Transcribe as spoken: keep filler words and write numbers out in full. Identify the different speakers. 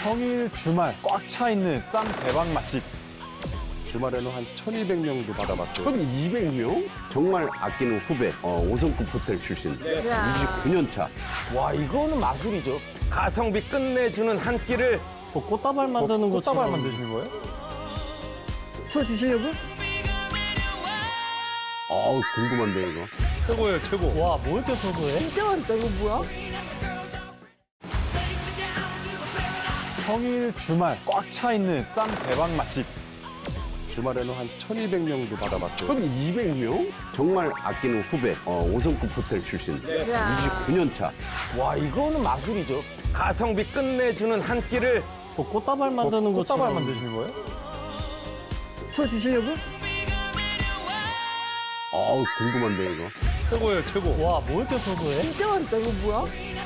Speaker 1: 평일 주말 꽉 차 있는 쌈 대박 맛집.
Speaker 2: 주말에는 한 천이백 명도 받아봤어요.
Speaker 3: 천이백 명? 정말 아끼는 후배, 어, 오 성급 호텔 출신, 이십구 년 차.
Speaker 4: 와, 이거는 마술이죠. 가성비 끝내주는 한 끼를
Speaker 5: 뭐 꽃다발 만드는 것처럼.
Speaker 1: 꽃다발 만드시는 거예요?
Speaker 5: 틀어주시려고?
Speaker 3: 어우, 궁금한데, 이거.
Speaker 1: 최고예요, 최고.
Speaker 5: 와, 뭐 이렇게 소소해?
Speaker 6: 진짜 맛있다. 이거 뭐야?
Speaker 1: 평일 주말 꽉 차 있는 쌈 대박 맛집.
Speaker 2: 주말에는 한 천이백 명도 받아봤어요.
Speaker 3: 천이백 명? 정말 아끼는 후배, 어, 오 성급 호텔 출신, 이십구 년 차.
Speaker 4: 와, 이거는 마술이죠. 가성비 끝내주는 한 끼를
Speaker 5: 뭐 꽃다발 만드는 것처럼.
Speaker 1: 꽃다발 만드시는 거예요?
Speaker 5: 틀어주시려고?
Speaker 3: 어우, 궁금한데, 이거.
Speaker 1: 최고예요, 최고.
Speaker 5: 와, 뭐 이렇게 소소해?
Speaker 6: 진짜 맛있다. 이거 뭐야?